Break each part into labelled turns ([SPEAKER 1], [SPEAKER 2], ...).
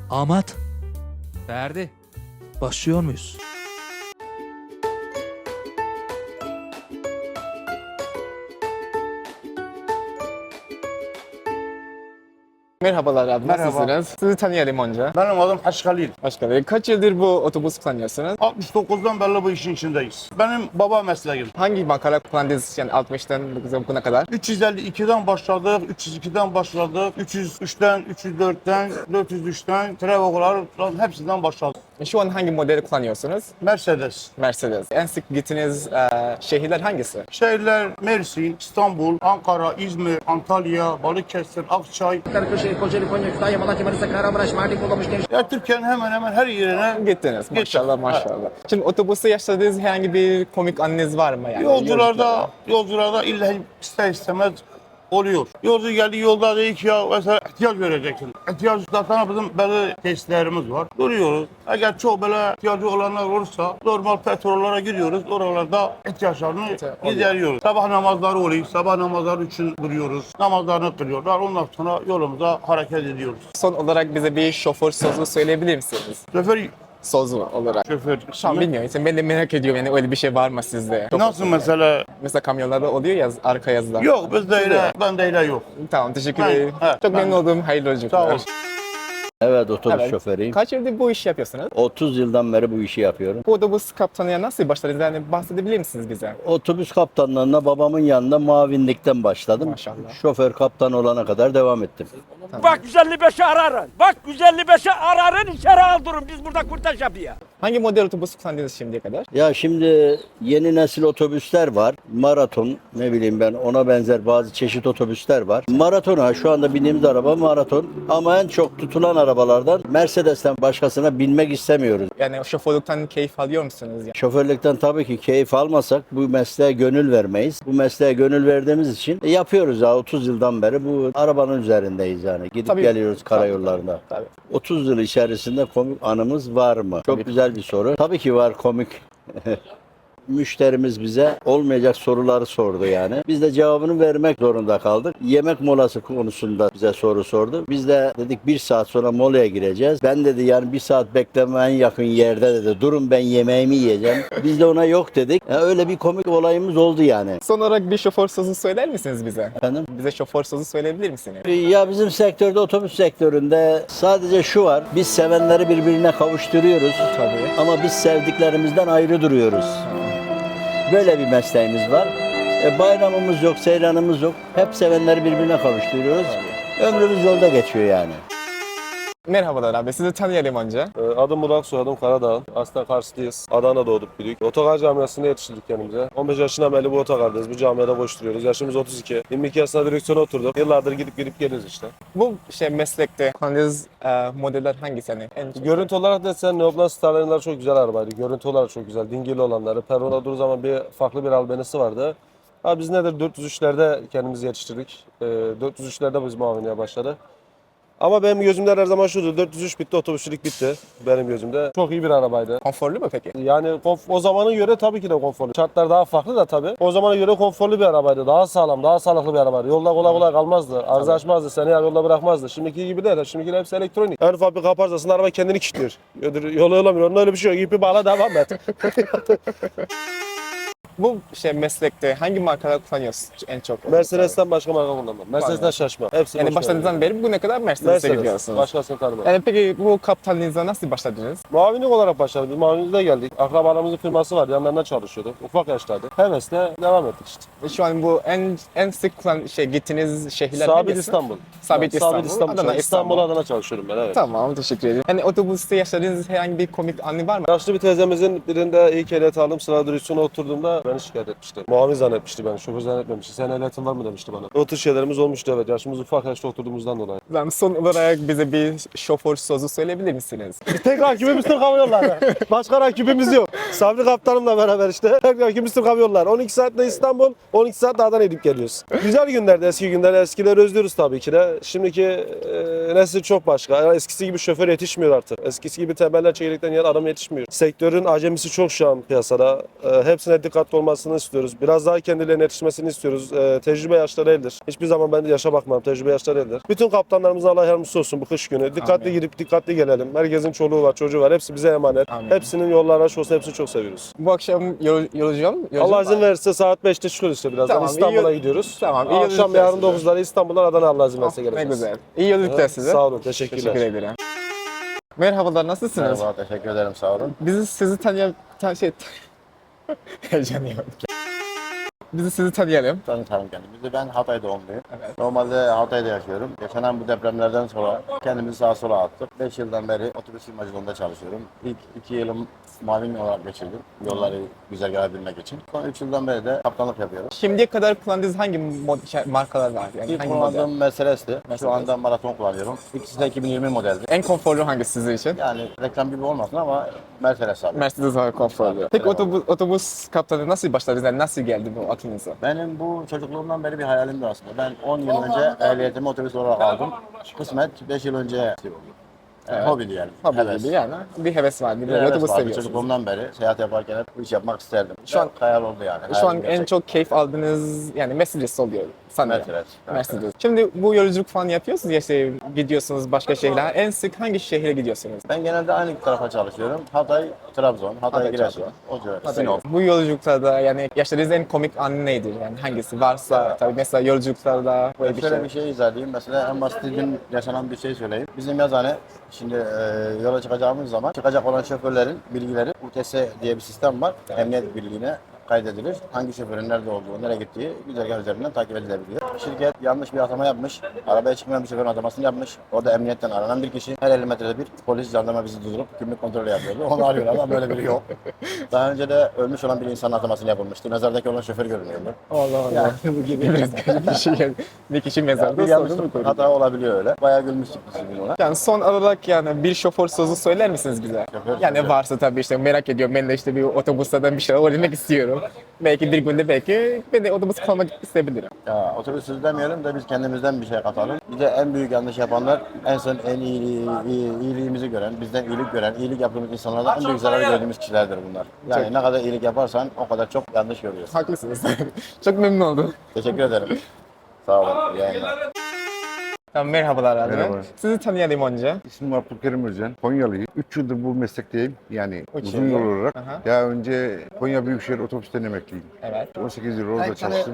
[SPEAKER 1] Ahmet,
[SPEAKER 2] Ferdi.
[SPEAKER 1] başlıyor muyuz?
[SPEAKER 3] Merhabalar abi,
[SPEAKER 4] Merhaba.
[SPEAKER 3] nasılsınız? Sizi tanıyalım önce.
[SPEAKER 4] Benim adım Haşkalil.
[SPEAKER 3] Başkanım, kaç yıldır bu otobüsü kullanıyorsunuz?
[SPEAKER 4] 69'dan beri bu işin içindeyiz. Benim baba mesleğim.
[SPEAKER 3] Hangi markalar kullandınız yani 60'tan bugüne kadar?
[SPEAKER 4] 352'den başladık, 302'den başladık, 303'ten, 304'ten, 403'ten, Trevo'lar hepsinden başladık.
[SPEAKER 3] Şu an hangi modeli kullanıyorsunuz?
[SPEAKER 4] Mercedes.
[SPEAKER 3] Mercedes. En sık gittiğiniz şehirler hangisi?
[SPEAKER 4] Şehirler Mersin, İstanbul, Ankara, İzmir, Antalya, Balıkesir, Akçay.
[SPEAKER 5] Kırklareli, Kocaeli, Konya, Kütahya, Malatya, Manisa, Kahramanmaraş, Mardin, Bolu, Gençlik.
[SPEAKER 4] Ya Türkiye'nin hemen hemen her yerine
[SPEAKER 3] Gittiniz maşallah maşallah. Şimdi otobüste yaşadığınız herhangi bir komik anınız var mı? Yani
[SPEAKER 4] yolcularda illa ister istemez oluyor. Yolcu geldi yolda dedi ki ya mesela ihtiyaç vereceksin. İhtiyaç zaten bizim belli testlerimiz var. Duruyoruz. Eğer çok böyle ihtiyacı olanlar olursa normal petrollara giriyoruz. Oralarda ihtiyaçlarını gideriyoruz. Sabah namazları oluyor. Sabah namazları için duruyoruz. Namazlarını kılıyorlar. Ondan sonra yolumuza hareket ediyoruz.
[SPEAKER 3] Son olarak bize bir şoför sözü söyleyebilir misiniz?
[SPEAKER 4] Şoför
[SPEAKER 3] Sözü olarak.
[SPEAKER 4] Şoför.
[SPEAKER 3] Şu an bilmiyorum. İşte ben de merak ediyorum yani öyle bir şey var mı sizde?
[SPEAKER 4] Nasıl mesela?
[SPEAKER 3] Mesela kamyonlarda oluyor ya arka yazılar.
[SPEAKER 4] Yok bizde öyle. Bende öyle yok.
[SPEAKER 3] Tamam teşekkür
[SPEAKER 4] Ben-
[SPEAKER 3] ederim.
[SPEAKER 4] evet,
[SPEAKER 3] Çok
[SPEAKER 4] ben-
[SPEAKER 3] memnun oldum. Hayırlı
[SPEAKER 4] Sağ
[SPEAKER 3] yolculuklar.
[SPEAKER 4] ol.
[SPEAKER 6] Evet, otobüs
[SPEAKER 3] Evet.
[SPEAKER 6] şoförüyüm.
[SPEAKER 3] Kaç yıldır bu işi yapıyorsunuz?
[SPEAKER 6] 30 yıldan beri bu işi yapıyorum.
[SPEAKER 3] Bu otobüs kaptanıya nasıl başladınız? Yani bahsedebilir misiniz bize?
[SPEAKER 6] Otobüs kaptanlığına babamın yanında muavinlikten başladım.
[SPEAKER 3] Maşallah.
[SPEAKER 6] Şoför kaptan olana kadar devam ettim.
[SPEAKER 7] Bak 155'i ararın. Bak 155'i ararın içeri aldırın. Biz burada kurtaş yapıyor.
[SPEAKER 3] Hangi model otobüs kullandınız şimdiye kadar?
[SPEAKER 6] Ya şimdi yeni nesil otobüsler var. Maraton, ne bileyim ben, ona benzer bazı çeşit otobüsler var. Maratona şu anda bindiğimiz araba maraton, ama en çok tutulan arabalardan Mercedes'ten başkasına binmek istemiyoruz.
[SPEAKER 3] Yani şoförlükten keyif alıyor musunuz? Yani?
[SPEAKER 6] Şoförlükten tabii ki keyif almasak bu mesleğe gönül vermeyiz. Bu mesleğe gönül verdiğimiz için yapıyoruz ya, 30 yıldan beri bu arabanın üzerindeyiz yani. Gidip
[SPEAKER 3] Tabii.
[SPEAKER 6] geliyoruz karayollarında.
[SPEAKER 3] Tabii.
[SPEAKER 6] 30 yıl içerisinde komik anımız var mı? Çok güzel bir soru. Tabii ki var komik. Müşterimiz bize olmayacak soruları sordu yani. Biz de cevabını vermek zorunda kaldık. Yemek molası konusunda bize soru sordu. Biz de dedik 1 saat sonra molaya gireceğiz. Ben dedi yani 1 saat bekleme en yakın yerde dedi. Durun ben yemeğimi yiyeceğim. Biz de ona yok dedik. Yani öyle bir komik olayımız oldu yani.
[SPEAKER 3] Son olarak bir şoför sözü söyler misiniz bize?
[SPEAKER 6] Efendim?
[SPEAKER 3] Bize şoför sözü söyleyebilir misiniz?
[SPEAKER 6] Ya bizim sektörde, otobüs sektöründe sadece şu var. Biz sevenleri birbirine kavuşturuyoruz.
[SPEAKER 3] Tabii.
[SPEAKER 6] Ama biz sevdiklerimizden ayrı duruyoruz. Böyle bir mesleğimiz var. Bayramımız yok, seyranımız yok. Hep sevenleri birbirine kavuşturuyoruz. Ömrümüz yolda geçiyor yani.
[SPEAKER 3] Merhabalar abi, sizi tanıyalım önce.
[SPEAKER 8] Adım Burak, soyadım Karadağ. Aslen Karslıyız. Adana'da doğduk büyüdük. Otogar camiasında yetiştirdik kendimize. 15 yaşından beri bu otogardayız. Bu camiada koşturuyoruz. Yaşımız 32. 22 yaşında direksiyona oturduk. Yıllardır gidip geliyoruz işte.
[SPEAKER 3] Bu meslekte kullandığınız modeller hangisi? Yani en
[SPEAKER 8] Görüntü olarak da sen Neoplan Starline'lar çok güzel arabaydı. Görüntü olarak çok güzel. Dingili olanları. Peron'a durduğu zaman farklı bir albenisi vardı. Biz nedir 403'lerde kendimizi yetiştirdik. 403'lerde biz muavinliğe başladı. Ama benim gözümde her zaman şudur. 403 bitti, otobüsçülük bitti benim gözümde. Çok iyi bir arabaydı.
[SPEAKER 3] konforlu mu peki?
[SPEAKER 8] Yani o zamana göre tabii ki de konforlu. Şartlar daha farklı da tabii. O zamana göre konforlu bir arabaydı. Daha sağlam, daha sağlıklı bir arabaydı. Yolda kolay kolay kalmazdı. Arıza açmazdı, seni yarı yolda bırakmazdı. Şimdiki gibi değil. Şimdiki hepsi elektronik. En ufak bir kaparsasın araba kendini kilitliyor. Yolu yolamıyor. Onda öyle bir şey yok. İpi bağla devam et.
[SPEAKER 3] Bu meslekte hangi markalar kullanıyorsunuz en çok?
[SPEAKER 8] Mercedes'ten başka marka kullanmam. Mercedes'ten şaşma. Hepsi
[SPEAKER 3] Yani
[SPEAKER 8] boş
[SPEAKER 3] başladığınızdan beri bugüne kadar Mercedes'e
[SPEAKER 8] Mercedes.
[SPEAKER 3] gidiyorsunuz.
[SPEAKER 8] Başkasını tanımam.
[SPEAKER 3] Yani peki bu kaptanlığınıza nasıl başladınız?
[SPEAKER 8] Muavinlik olarak başladık. Biz muavinlikte geldik. Akrabalarımızın firması var. Yanlarında çalışıyorduk. Ufak yaştaydı. Hevesle devam ettik işte.
[SPEAKER 3] Şu an bu en sık gittiğiniz şehirler
[SPEAKER 8] Sabit
[SPEAKER 3] hangisi?
[SPEAKER 8] İstanbul.
[SPEAKER 3] Sabit İstanbul.
[SPEAKER 8] İstanbul.
[SPEAKER 3] Adana,
[SPEAKER 8] İstanbul, Adana çalışıyorum ben. Evet.
[SPEAKER 3] Tamam, teşekkür ederim. Yani otobüste yaşadığınız herhangi bir komik anı var mı?
[SPEAKER 8] Yaşlı bir teyzemizin birinde ilk ehliyet aldım, sıra direksiyona oturduğumda beni şikayet etmişti. Muavin zannetmişti beni, şoför zannetmemişti. Sen ehliyetin var mı demişti bana. O tür şeylerimiz olmuştu evet, yaşımız ufak yaşta oturduğumuzdan dolayı.
[SPEAKER 3] Son olarak bize bir şoför sözü söyleyebilir misiniz?
[SPEAKER 8] Tek rakibimiz Türk Hava Yolları. Başka rakibimiz yok. Sabri Kaptanımla beraber işte. Tek rakibimiz Türk Hava Yolları. 12 saatte İstanbul, 12 saat Adana'ya gidip geliyoruz. Güzel günlerdi, eski günler. Eskileri özlüyoruz tabii ki de. Şimdiki nesil çok başka. Eskisi gibi şoför yetişmiyor artık. Eskisi gibi temeller çekirdekten yer adam yetişmiyor. Sektörün acemisi çok şu an piyasada. Hepsine dikkatli olmasını istiyoruz. Biraz daha kendilerine yetişmesini istiyoruz. Tecrübe yaşları eldir. Hiçbir zaman ben de yaşa bakmam. Tecrübe yaşları eldir. Bütün kaptanlarımıza Allah yardımcısı olsun bu kış günü. Dikkatli
[SPEAKER 3] Amin.
[SPEAKER 8] gidip dikkatli gelelim. Herkesin çoluğu var, çocuğu var. Hepsi bize emanet.
[SPEAKER 3] Amin.
[SPEAKER 8] Hepsinin yolları açık olsun. Hepsini çok seviyoruz.
[SPEAKER 3] Bu akşam yolcuyum.
[SPEAKER 8] Allah izin verirse saat 5'te çıkıyoruz işte birazdan.
[SPEAKER 3] Tamam,
[SPEAKER 8] İstanbul'a
[SPEAKER 3] iyi-
[SPEAKER 8] gidiyoruz.
[SPEAKER 3] Tamam, iyi
[SPEAKER 8] Akşam
[SPEAKER 3] yolculuklar
[SPEAKER 8] yarın
[SPEAKER 3] size.
[SPEAKER 8] 9'larda İstanbul'dan Adana Allah izin verirse
[SPEAKER 3] Ne
[SPEAKER 8] geleceğiz.
[SPEAKER 3] güzel. İyi yolculuklar size.
[SPEAKER 8] Sağ olun. Teşekkürler.
[SPEAKER 3] Teşekkür ederim. Merhabalar, nasılsınız?
[SPEAKER 6] Merhaba, teşekkür ederim, sağ olun.
[SPEAKER 3] Bizi sizi tanıyalım. Heyecanlıyım. Bizi sizi tanıyalım.
[SPEAKER 6] Tanıtalım kendimizi. Ben Hatay doğumluyum.
[SPEAKER 3] Evet.
[SPEAKER 6] Normalde Hatay'da yaşıyorum. Yaşanan bu depremlerden sonra kendimizi sağa sola attık. 5 yıldan beri otobüs firmacılığında çalışıyorum. İlk 2 yılım muavin olarak geçirdim. Yolları güzel görebilmek için. Son 3 yıldan beri de kaptanlık yapıyorum.
[SPEAKER 3] Şimdiye kadar kullandığınız hangi markalar var? Yani
[SPEAKER 6] İlk
[SPEAKER 3] hangi model?
[SPEAKER 6] kullandığım Mercedes'ti.
[SPEAKER 3] Mercedes.
[SPEAKER 6] Şu anda maraton kullanıyorum. İkisi de 2020 modeldi.
[SPEAKER 3] En konforlu hangisi sizin için?
[SPEAKER 6] Yani reklam gibi olmasın ama Mercedes abi.
[SPEAKER 3] Mercedes daha konforlu. Peki otobüs kaptanı nasıl başladınız? Yani nasıl geldi bu aklınıza?
[SPEAKER 6] Benim bu çocukluğumdan beri bir hayalimdi aslında. Ben 10 yıl önce ehliyetimi otobüs olarak aldım. Kısmet 5 yıl önce hobiydi yani.
[SPEAKER 3] Hobi
[SPEAKER 6] Heves.
[SPEAKER 3] gibi yani. Bir heves var. Bir
[SPEAKER 6] Bir
[SPEAKER 3] böyle
[SPEAKER 6] heves
[SPEAKER 3] otobüs
[SPEAKER 6] vardı.
[SPEAKER 3] seviyorsunuz.
[SPEAKER 6] Çocukluğumdan beri seyahat yaparken hep bu iş yapmak isterdim.
[SPEAKER 3] Şu an-
[SPEAKER 6] hayal oldu yani.
[SPEAKER 3] Şu an
[SPEAKER 6] Hayalim
[SPEAKER 3] en
[SPEAKER 6] gerçek.
[SPEAKER 3] çok keyif aldığınız yani Mercedes oluyor sanırım.
[SPEAKER 6] Mercedes.
[SPEAKER 3] Mercedes. Şimdi bu yolculuk falan yapıyorsunuz ya işte gidiyorsunuz başka şehirlere. En sık hangi şehre gidiyorsunuz?
[SPEAKER 6] Ben genelde aynı tarafa çalışıyorum. Hatay, Trabzon, Hatay,
[SPEAKER 3] Hatay,
[SPEAKER 6] Giresun,
[SPEAKER 3] Trabzon.
[SPEAKER 6] o civar, Sinop.
[SPEAKER 3] Bu yolculuklarda yani yaşadığınız en komik an nedir? Yani hangisi varsa tabii mesela yolculuklarda böyle bir
[SPEAKER 6] Şöyle
[SPEAKER 3] şey.
[SPEAKER 6] bir şey izah edeyim. Mesela en basit dün yaşanan bir şey söyleyeyim. Bizim yazıhane şimdi yola çıkacağımız zaman çıkacak olan şoförlerin bilgileri UTS diye bir sistem var. Emniyet Birliği'ne kaydedilir. Hangi şoförün nerede olduğu, nereye gittiği güzergah üzerinden takip edilebiliyor. Şirket yanlış bir atama yapmış. Arabaya çıkmayan bir şoförün atamasını yapmış. Orada emniyetten aranan bir kişi. Her 50 metrede bir polis, jandarma bizi durdurup kimlik kontrolü yapıyordu. Onu arıyorlar ama böyle biri yok. Daha önce de ölmüş olan bir insanın atamasını yapılmıştı. Mezardaki olan şoför görünüyordu.
[SPEAKER 3] Allah Allah. Bu gibi biraz garip bir şey. Yani bir kişi mezarda
[SPEAKER 6] Bir
[SPEAKER 3] sonra
[SPEAKER 6] yanlış
[SPEAKER 3] mı koyuyor?
[SPEAKER 6] hata olabiliyor öyle. Bayağı gülmüştük biz bugün ona.
[SPEAKER 3] Yani son olarak yani bir şoför sözü söyler misiniz bize?
[SPEAKER 6] Şoför
[SPEAKER 3] Yani
[SPEAKER 6] sözü.
[SPEAKER 3] varsa tabii işte merak ediyorum. Ben de işte bir otobüsten bir şeyler öğrenmek istiyorum. Belki bir günde belki ben de otobüs kullanmak isteyebilirim.
[SPEAKER 6] Ya otobüsüz demeyelim de biz kendimizden bir şey katalım. Bir de en büyük yanlış yapanlar en son en iyiliğimizi gören, bizden iyilik gören, iyilik yaptığımız insanlardan en büyük zarar gördüğümüz kişilerdir bunlar. Yani
[SPEAKER 3] Çok.
[SPEAKER 6] ne kadar iyilik yaparsan o kadar çok yanlış görüyorsun.
[SPEAKER 3] Haklısınız. Çok memnun oldum.
[SPEAKER 6] Teşekkür ederim. Sağ olun. İyi yayınlar.
[SPEAKER 3] Tamam, merhabalar abi.
[SPEAKER 1] Merhaba.
[SPEAKER 3] Sizi tanıyalım önce.
[SPEAKER 1] İsmim Abdülkerim Özcan. Konyalıyım. 3 yıldır bu meslekteyim. Yani
[SPEAKER 3] Üç
[SPEAKER 1] uzun
[SPEAKER 3] yıldır.
[SPEAKER 1] yol olarak.
[SPEAKER 3] Aha.
[SPEAKER 1] Daha önce Konya Büyükşehir Otobüs'ten emekliyim.
[SPEAKER 3] Evet.
[SPEAKER 1] 18 yıl orada çalıştım.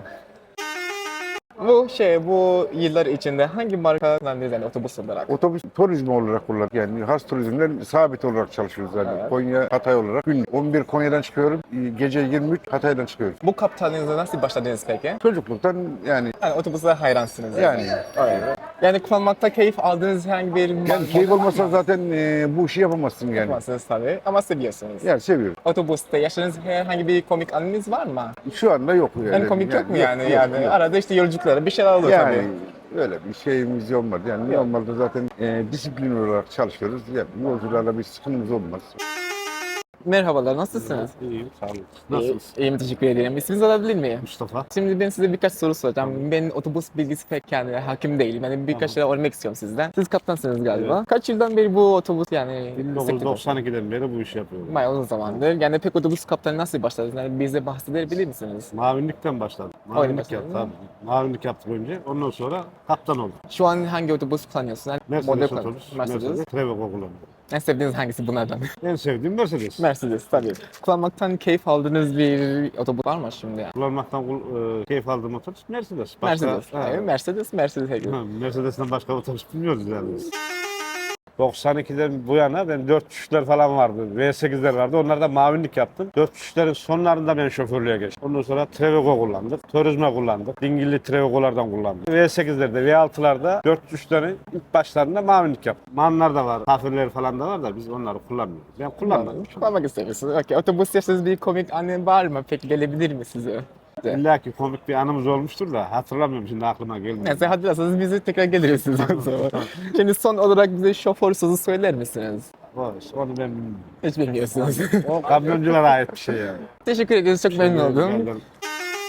[SPEAKER 3] Bu yıllar içinde hangi marka kullandınız yani otobüs olarak?
[SPEAKER 1] Otobüs turizmi olarak kullandık. Yani has turizmden sabit olarak çalışıyoruz. Yani
[SPEAKER 3] Evet.
[SPEAKER 1] Konya, Hatay olarak. Gün 11 Konya'dan çıkıyorum. Gece 23 Hatay'dan çıkıyoruz.
[SPEAKER 3] Bu kaptanınıza nasıl başladınız peki?
[SPEAKER 1] Çocukluktan yani
[SPEAKER 3] Otobüse hayransınız.
[SPEAKER 1] yani
[SPEAKER 3] Öyle. Yani kullanmakta keyif aldığınız herhangi bir
[SPEAKER 1] yani keyif olmasa zaten bu işi yapamazsın yani.
[SPEAKER 3] yapmazsınız tabii ama seviyorsunuz.
[SPEAKER 1] Yani seviyoruz.
[SPEAKER 3] Otobüste yaşadığınız herhangi bir komik anınız var mı?
[SPEAKER 1] Şu anda yok yani.
[SPEAKER 3] En komik yok mu yani?
[SPEAKER 1] yok,
[SPEAKER 3] Yani
[SPEAKER 1] yok.
[SPEAKER 3] arada işte yolculuklara bir şeyler oluyor
[SPEAKER 1] Yani
[SPEAKER 3] tabii.
[SPEAKER 1] öyle bir şeyimiz olmadı. Yani normalde zaten disiplin olarak çalışıyoruz. Yani yolcularla bir sıkıntımız olmaz.
[SPEAKER 3] Merhabalar, nasılsınız?
[SPEAKER 2] İyiyim, sağ olun. Nasılsınız?
[SPEAKER 3] İyiyim, teşekkür ederim. İsminizi alabilir miyim?
[SPEAKER 2] Mustafa.
[SPEAKER 3] Şimdi ben size birkaç soru soracağım. Ben otobüs bilgisi pek yani hakim değilim. Yani birkaç şeyler öğrenmek istiyorum sizden. Siz kaptansınız galiba. Kaç yıldan beri bu otobüs yani
[SPEAKER 2] 1992'den beri bu işi yapıyorum.
[SPEAKER 3] bayağı uzun zamandır. Yani pek otobüs kaptanı nasıl başladınız? Yani bize bahsedebilir misiniz?
[SPEAKER 2] Mavinlikten başladım.
[SPEAKER 3] Öyle
[SPEAKER 2] Mavinlik
[SPEAKER 3] başladın
[SPEAKER 2] yaptım.
[SPEAKER 3] mı?
[SPEAKER 2] Tabii. Mavinlik yaptık önce. Ondan sonra kaptan oldum.
[SPEAKER 3] Şu an hangi otobüs kullanıyorsun? Yani
[SPEAKER 2] Mercedes
[SPEAKER 3] model
[SPEAKER 2] otobüs,
[SPEAKER 3] kullanıyorsun.
[SPEAKER 2] Mercedes, Trevego kullandım.
[SPEAKER 3] En sevdiğiniz hangisi bunlardan?
[SPEAKER 2] En sevdiğim Mercedes.
[SPEAKER 3] Mercedes tabii. Kullanmaktan keyif aldığınız bir otobüs var mı şimdi? Yani?
[SPEAKER 2] Kullanmaktan keyif aldığım otobüs Mercedes.
[SPEAKER 3] Mercedes.
[SPEAKER 2] Ha,
[SPEAKER 3] Evet, Mercedes herkes.
[SPEAKER 2] ha, Mercedes'ten başka otobüs bilmiyoruz yani biz. 92'den bu yana ben 4.3'ler falan vardı. V8'ler vardı. Onlarda mavinlik yaptım. 4.3'lerin sonlarında ben şoförlüğe geçtim. Ondan sonra Trevego kullandık. Turizme kullandık. Dingilli Trevego'lardan kullandık. V8'lerde, V6'larda 4.3'lerin ilk başlarında mavinlik yaptım. Manlar da var, kafirler falan da var da biz onları kullanmıyoruz. Ben kullanmadım.
[SPEAKER 3] Kullanmak istemiyorsunuz. Okey. Otobüs yaşadığınız bir komik anı var mı? Peki gelebilir mi size?
[SPEAKER 2] İlla ki komik bir anımız olmuştur da hatırlamıyorum şimdi aklıma gelmiyor.
[SPEAKER 3] Neyse hatırlarsanız bize tekrar geliriz siz o zaman. Şimdi son olarak bize şoför sözü söyler misiniz?
[SPEAKER 2] Onu ben bilmiyorum.
[SPEAKER 3] Hiç bilmiyorsunuz.
[SPEAKER 2] O kamyonculara ait bir şey yani.
[SPEAKER 3] Teşekkür ederiz. Çok memnun oldum.
[SPEAKER 2] Rica ederim.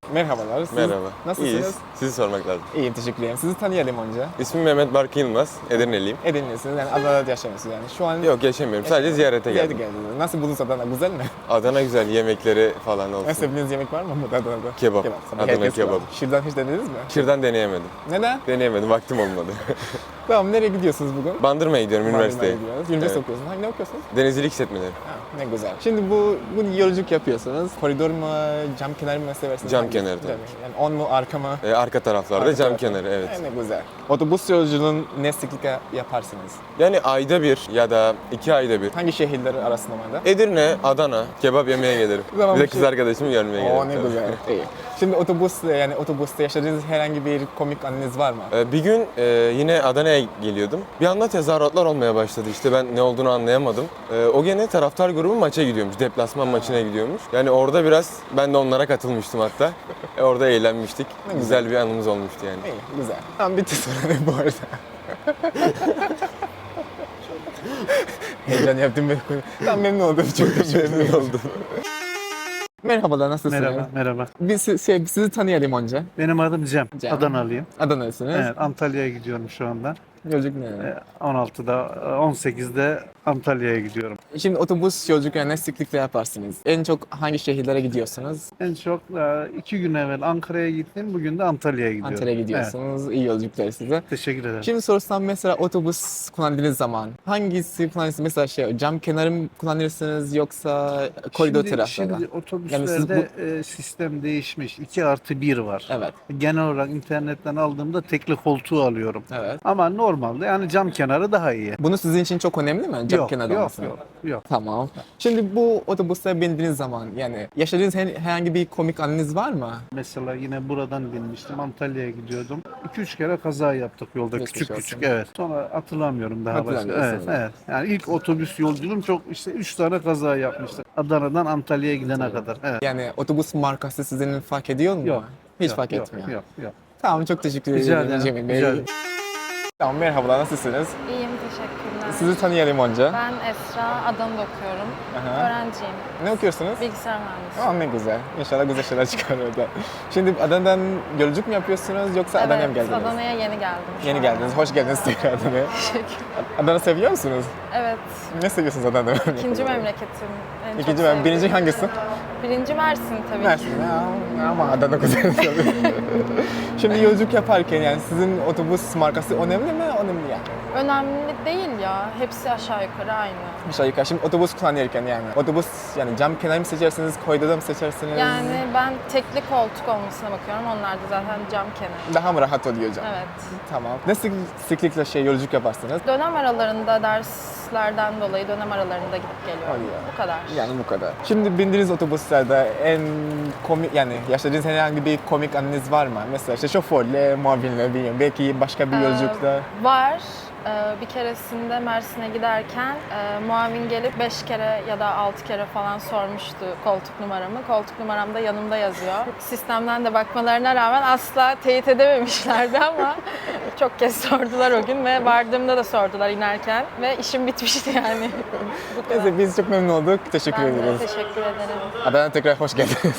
[SPEAKER 3] Merhabalar. Siz
[SPEAKER 9] Merhaba.
[SPEAKER 3] Nasılsınız?
[SPEAKER 9] İyiyiz. Sizi sormak lazım.
[SPEAKER 3] İyiyim, teşekkür ederim. Sizi tanıyalım önce.
[SPEAKER 9] İsmim Mehmet Barkı Yılmaz. Edirneliyim.
[SPEAKER 3] Edirne'lisiniz, yani Adana'da yaşamıyorsunuz yani. Şu an
[SPEAKER 9] Yok yaşamıyorum. Sadece ziyarete
[SPEAKER 3] Ziyarete
[SPEAKER 9] geldim.
[SPEAKER 3] geldiniz. Nasıl buldunuz Adana? Güzel mi?
[SPEAKER 9] Adana güzel. Yemekleri falan olsun.
[SPEAKER 3] En sevdiğiniz yemek var mı burada Adana'da?
[SPEAKER 9] Kebap.
[SPEAKER 3] Tabii
[SPEAKER 9] Adana
[SPEAKER 3] herkes var.
[SPEAKER 9] kebabı.
[SPEAKER 3] Şırdan hiç denediniz mi?
[SPEAKER 9] Şırdan deneyemedim.
[SPEAKER 3] Neden?
[SPEAKER 9] Deneyemedim. Vaktim olmadı.
[SPEAKER 3] Tamam, nereye gidiyorsunuz bugün?
[SPEAKER 9] Bandırma'ya gidiyorum üniversiteye.
[SPEAKER 3] Bandırma'ya gidiyoruz. Üniversite
[SPEAKER 9] Evet.
[SPEAKER 3] okuyorsunuz. Hangi ne okuyorsunuz?
[SPEAKER 9] Denizcilik işletmeleri.
[SPEAKER 3] Ha, ne güzel. Şimdi bu yolculuk yapıyorsunuz. Koridor mu, cam kenarı mı seversiniz?
[SPEAKER 9] Cam
[SPEAKER 3] Hangisi?
[SPEAKER 9] kenarı tabii.
[SPEAKER 3] Yani on mu, arka mı?
[SPEAKER 9] Arka taraflarda
[SPEAKER 3] Arka
[SPEAKER 9] cam
[SPEAKER 3] tarafı.
[SPEAKER 9] kenarı evet.
[SPEAKER 3] Ne güzel. Otobüs yolculuğunu ne sıklıkla yaparsınız?
[SPEAKER 9] Yani ayda bir ya da 2 ayda bir.
[SPEAKER 3] Hangi şehirler arasında var da?
[SPEAKER 9] Edirne, Adana kebap yemeye gelirim.
[SPEAKER 3] Tamam,
[SPEAKER 9] Bir de
[SPEAKER 3] bir
[SPEAKER 9] kız
[SPEAKER 3] şey-
[SPEAKER 9] arkadaşımı görmeye gelirim.
[SPEAKER 3] Oo, ne
[SPEAKER 9] tabii.
[SPEAKER 3] güzel. İyi. Şimdi otobüste yaşadığınız herhangi bir komik anınız var mı?
[SPEAKER 9] Bir gün yine Adana'ya geliyordum. Bir anda tezahüratlar olmaya başladı. İşte ben ne olduğunu anlayamadım. O gene taraftar grubu maça gidiyormuş. Deplasman maçına gidiyormuş. Yani orada biraz ben de onlara katılmıştım hatta. Orada eğlenmiştik.
[SPEAKER 3] Ne
[SPEAKER 9] Güzel bir anımız olmuştu yani.
[SPEAKER 3] İyi, güzel. Tamam, bitti soruları bu arada. Heyecan yaptım ben. Tamam, memnun oldum. Çok memnun oldum. Merhabalar, nasılsınız?
[SPEAKER 10] Merhaba, merhaba.
[SPEAKER 3] Biz sizi tanıyalım önce.
[SPEAKER 10] Benim adım Cem.
[SPEAKER 3] Cem.
[SPEAKER 10] Adanalıyım.
[SPEAKER 3] Adana'lısınız.
[SPEAKER 10] Evet, Antalya'ya gidiyorum şu anda.
[SPEAKER 3] Yolculuk ne?
[SPEAKER 10] 16'da, 18'de Antalya'ya gidiyorum.
[SPEAKER 3] Şimdi otobüs yolculuklarını ne sıklıkla yaparsınız? En çok hangi şehirlere gidiyorsunuz?
[SPEAKER 10] En çok 2 gün evvel Ankara'ya gittim, bugün de Antalya'ya gidiyorum.
[SPEAKER 3] Antalya'ya gidiyorsunuz. İyi yolculuklar size.
[SPEAKER 10] Evet, teşekkür ederim.
[SPEAKER 3] Şimdi sorsam mesela otobüs kullandığınız zaman hangisi kullanırsınız? Mesela cam kenarı mı kullanırsınız yoksa koridor tarafında?
[SPEAKER 10] Şimdi otobüslerde
[SPEAKER 3] Yani
[SPEAKER 10] sistem değişmiş. 2+1 var.
[SPEAKER 3] Evet,
[SPEAKER 10] Genel olarak internetten aldığımda tekli koltuğu alıyorum.
[SPEAKER 3] evet.
[SPEAKER 10] Ama normalde yani cam kenarı daha iyi.
[SPEAKER 3] Bunu sizin için çok önemli mi? Cam kenarı
[SPEAKER 10] yok,
[SPEAKER 3] olması?
[SPEAKER 10] yok.
[SPEAKER 3] Tamam. Şimdi bu otobüste bindiğiniz zaman yani yaşadığınız herhangi bir komik anınız var mı?
[SPEAKER 10] Mesela yine buradan binmiştim. Antalya'ya gidiyordum. 2-3 kere kaza yaptık yolda.
[SPEAKER 3] Geçmiş
[SPEAKER 10] Küçük
[SPEAKER 3] olsun.
[SPEAKER 10] küçük evet. Sonra hatırlamıyorum daha başka. Evet,
[SPEAKER 3] Hatırlamıyorsunuz.
[SPEAKER 10] evet. Yani ilk otobüs yolculuğum çok işte 3 tane kaza yapmıştık. Adana'dan Antalya'ya gidene kadar. Evet.
[SPEAKER 3] Yani otobüs markası sizin fark ediyor mu?
[SPEAKER 10] Yok.
[SPEAKER 3] Hiç
[SPEAKER 10] Yok,
[SPEAKER 3] fark
[SPEAKER 10] yok,
[SPEAKER 3] etmiyor.
[SPEAKER 10] Yok.
[SPEAKER 3] Tamam, çok teşekkür
[SPEAKER 10] Rica
[SPEAKER 3] ederim
[SPEAKER 10] ederim.
[SPEAKER 3] Cemil Bey.
[SPEAKER 10] Rica ederim.
[SPEAKER 3] Tamam, merhabalar, nasılsınız?
[SPEAKER 11] İyiyim, teşekkürler.
[SPEAKER 3] Sizi tanıyalım önce.
[SPEAKER 11] Ben Esra, Adana'da okuyorum.
[SPEAKER 3] Aha.
[SPEAKER 11] Öğrenciyim.
[SPEAKER 3] Ne okuyorsunuz?
[SPEAKER 11] Bilgisayar mühendisiyim.
[SPEAKER 3] Ne güzel. İnşallah güzel şeyler çıkar orada. Şimdi Adana'dan yolculuk mu yapıyorsunuz yoksa Adana'ya mı
[SPEAKER 11] Evet,
[SPEAKER 3] geldiniz?
[SPEAKER 11] Adana'ya yeni geldim. şu
[SPEAKER 3] Yeni
[SPEAKER 11] an.
[SPEAKER 3] geldiniz. Hoş geldiniz tekrar Adana'ya.
[SPEAKER 11] Teşekkür.
[SPEAKER 3] Adana seviyor musunuz?
[SPEAKER 11] Evet,
[SPEAKER 3] Ne seviyorsunuz Adana'da?
[SPEAKER 11] ikinci memleketim. En çok
[SPEAKER 3] İkinci
[SPEAKER 11] sevdiğim.
[SPEAKER 3] birinci hangisi?
[SPEAKER 11] Birinci Mersin tabii
[SPEAKER 3] Mersin.
[SPEAKER 11] ki.
[SPEAKER 3] Ya, ama Adana güzel tabii. Şimdi yolculuk yaparken yani sizin otobüs markası önemli mi? Önemli yani.
[SPEAKER 11] Önemli değil ya. Hepsi aşağı yukarı aynı.
[SPEAKER 3] Aşağı yukarı. Şimdi otobüs kullanırken yani. Otobüs yani cam kenarı mı seçersiniz, koridorda mı seçersiniz?
[SPEAKER 11] Yani ben tekli koltuk olmasına bakıyorum. Onlar da zaten cam kenarı.
[SPEAKER 3] Daha mı rahat oluyor cam?
[SPEAKER 11] Evet.
[SPEAKER 3] Tamam. Ne sıklıkla yolculuk yaparsınız?
[SPEAKER 11] Dönem aralarında derslerden dolayı dönem aralarında gidip geliyorum.
[SPEAKER 3] Hadi ya.
[SPEAKER 11] Bu kadar.
[SPEAKER 3] Yani bu kadar. Şimdi bindiğiniz otobüslerde en komik yani yaşadığınız herhangi bir komik anınız var mı? Mesela işte şoförle, muavinle bilmiyorum. Belki başka bir yolculukta.
[SPEAKER 11] Var. Bir keresinde Mersin'e giderken muavin gelip 5 kere ya da 6 kere falan sormuştu koltuk numaramı. Koltuk numaram da yanımda yazıyor. Sistemden de bakmalarına rağmen asla teyit edememişlerdi ama çok kez sordular o gün ve vardığımda da sordular inerken ve işim bitmişti yani. Bu kadar.
[SPEAKER 3] Neyse biz çok memnun olduk. Teşekkür
[SPEAKER 11] Ben de
[SPEAKER 3] ederiz.
[SPEAKER 11] teşekkür ederim.
[SPEAKER 3] Adana'ya tekrar hoş geldiniz.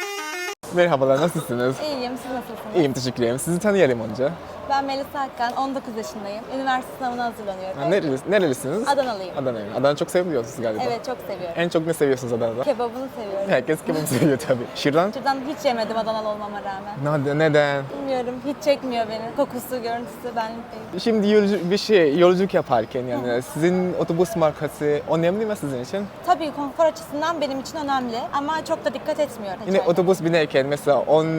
[SPEAKER 3] Merhabalar, nasılsınız?
[SPEAKER 12] İyiyim, siz nasılsınız?
[SPEAKER 3] İyiyim, teşekkür ederim. Sizi tanıyalım önce.
[SPEAKER 12] Ben Melisa Akkan, 19 yaşındayım. Üniversite sınavına hazırlanıyorum.
[SPEAKER 3] Nerelisiniz?
[SPEAKER 12] Adanalıyım.
[SPEAKER 3] Adana'yım. Adana çok seviyorsunuz galiba.
[SPEAKER 12] Evet, çok seviyorum.
[SPEAKER 3] En çok ne seviyorsunuz Adana'da?
[SPEAKER 12] Kebabını seviyorum.
[SPEAKER 3] Herkes kebap seviyor tabii. Şırdan?
[SPEAKER 12] Şuradan hiç yemedim Adanalı olmama rağmen.
[SPEAKER 3] Neden?
[SPEAKER 12] Bilmiyorum, hiç çekmiyor beni. Kokusu, görüntüsü benlik değil.
[SPEAKER 3] Şimdi yolculuk yaparken yani sizin otobüs markası önemli mi sizin için?
[SPEAKER 12] Tabii konfor açısından benim için önemli ama çok da dikkat etmiyorum.
[SPEAKER 3] Yine otobüs binerken mesela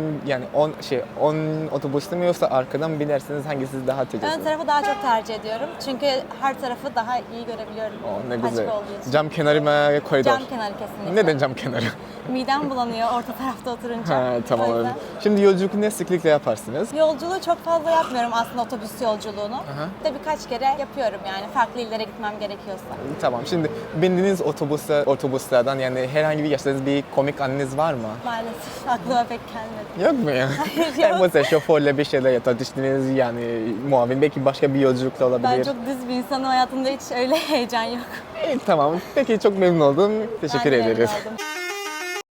[SPEAKER 3] 10 otobüste mi yoksa arkadan binersiniz hangisi daha tercih
[SPEAKER 12] Ön
[SPEAKER 3] ediyorsunuz?
[SPEAKER 12] tarafı daha çok tercih ediyorum. Çünkü her tarafı daha iyi görebiliyorum.
[SPEAKER 3] Ne
[SPEAKER 12] Açık
[SPEAKER 3] güzel.
[SPEAKER 12] olduğu için.
[SPEAKER 3] Cam kenarı mı koridor?
[SPEAKER 12] Cam kenarı kesinlikle.
[SPEAKER 3] Neden cam kenarı?
[SPEAKER 12] Midem bulanıyor orta tarafta oturunca.
[SPEAKER 3] Ha, tamam.
[SPEAKER 12] O yüzden.
[SPEAKER 3] Şimdi yolculuk ne sıklıkla yaparsınız?
[SPEAKER 12] Yolculuğu çok fazla yapmıyorum aslında otobüs yolculuğunu.
[SPEAKER 3] Aha.
[SPEAKER 12] De birkaç kere yapıyorum yani farklı illere gitmem gerekiyorsa.
[SPEAKER 3] Tamam. Şimdi bindiğiniz otobüslerden yani herhangi bir yaşadığınız bir komik anınız var mı?
[SPEAKER 12] Maalesef aklıma pek gelmedi.
[SPEAKER 3] Yok mu ya?
[SPEAKER 12] Hayır, yok.
[SPEAKER 3] Mesela şoförle bir şeyler tartıştınız yani muavin belki başka bir yolculukta olabilir.
[SPEAKER 12] Ben çok düz bir insanım, hayatımda hiç öyle heyecan yok.
[SPEAKER 3] Tamam. Peki çok memnun oldum. Teşekkür
[SPEAKER 12] Ben de memnun
[SPEAKER 3] ederiz.
[SPEAKER 12] oldum.